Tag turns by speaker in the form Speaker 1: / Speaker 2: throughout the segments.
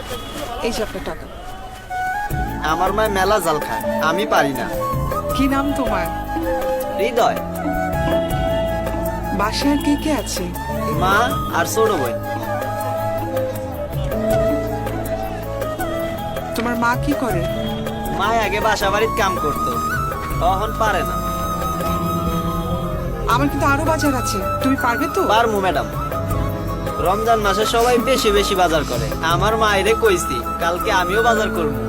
Speaker 1: এই যে আপনার টাকা।
Speaker 2: আমার মায় মেলা জাল খায়, আমি পারি না।
Speaker 1: কি নাম তোমার?
Speaker 2: হৃদয়।
Speaker 1: বাসায় আর কে কে আছে?
Speaker 2: মা আর ছোট বোন।
Speaker 1: তোমার মা কি করে?
Speaker 2: মা আগে বাসা বাড়ির কাম করতো, তখন পারে না।
Speaker 1: আমার কিন্তু আরো বাজার আছে, তুমি পারবে তো?
Speaker 2: পারমু ম্যাডাম। রমজান মাসে সবাই বেশি বেশি বাজার করে, আমার মায়েরে কইছি কালকে আমিও বাজার করবো।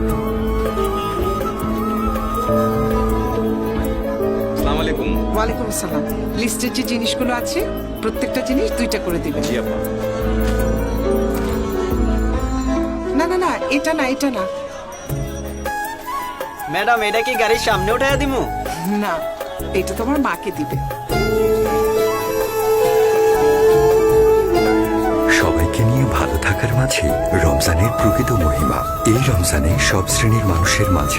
Speaker 3: আসসালামু আলাইকুম।
Speaker 1: ওয়ালাইকুম আসসালাম। লিস্টের যে জিনিসগুলো আছে প্রত্যেকটা জিনিস 2টা করে দিবেন।
Speaker 3: জি আপা।
Speaker 1: না না না, এটা না, এটা না।
Speaker 2: ম্যাডাম এটা কি গাড়ির সামনে উঠাইয়া দিমু?
Speaker 1: না, এটা তোমার মাকে দিবে।
Speaker 4: সবাইকে নিয়ে ভালো থাকার মাঝে রমজানের প্রকৃত মহিমা। এই রমজানে সব শ্রেণীর মানুষের মাঝে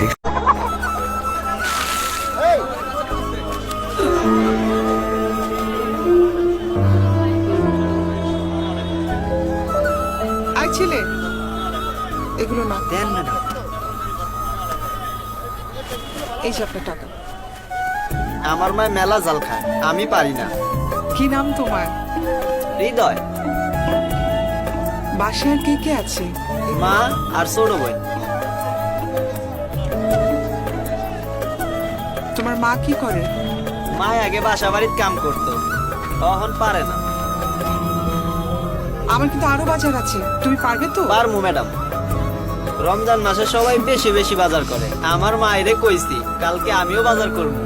Speaker 1: আই ছেলে, এগুলো না।
Speaker 2: দেন ম্যাডাম।
Speaker 1: এই যে আপনার টাকা।
Speaker 2: আমার মায় মেলা জাল খায়, আমি পারি না।
Speaker 1: কি নাম তোমার?
Speaker 2: হৃদয়।
Speaker 1: বাসায় আর কে কে আছে?
Speaker 2: মা আর ছোট বোন।
Speaker 1: তোমার মা কি করে?
Speaker 2: মা আগে বাসা বাড়ির কাম করতো, তখন পারে না।
Speaker 1: আমার কিন্তু আরো বাজার আছে, তুমি পারবে তো?
Speaker 2: পারমু ম্যাডাম। রমজান মাসে সবাই বেশি বেশি বাজার করে, আমার মায়েরে কইছি কালকে আমিও বাজার করবো।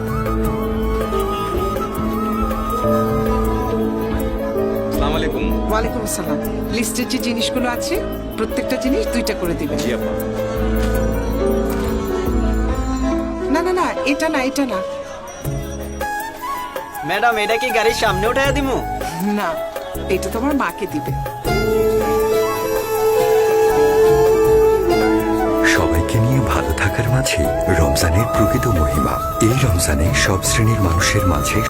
Speaker 3: আসসালামু আলাইকুম।
Speaker 1: ওয়ালাইকুম আসসালাম। লিস্টের যে জিনিসগুলো আছে প্রত্যেকটা জিনিস 2টা করে দিবেন।
Speaker 3: জি আপা।
Speaker 1: না না না, এটা না, এটা না।
Speaker 2: ম্যাডাম এটা কি গাড়ির সামনে উঠাইয়া দিমু?
Speaker 1: না, এটা তোমার মাকে দিবে।
Speaker 4: সবাইকে নিয়ে ভালো থাকার মাঝে রমজানের প্রকৃত মহিমা। এই রমজানে সব শ্রেণীর মানুষের মাঝে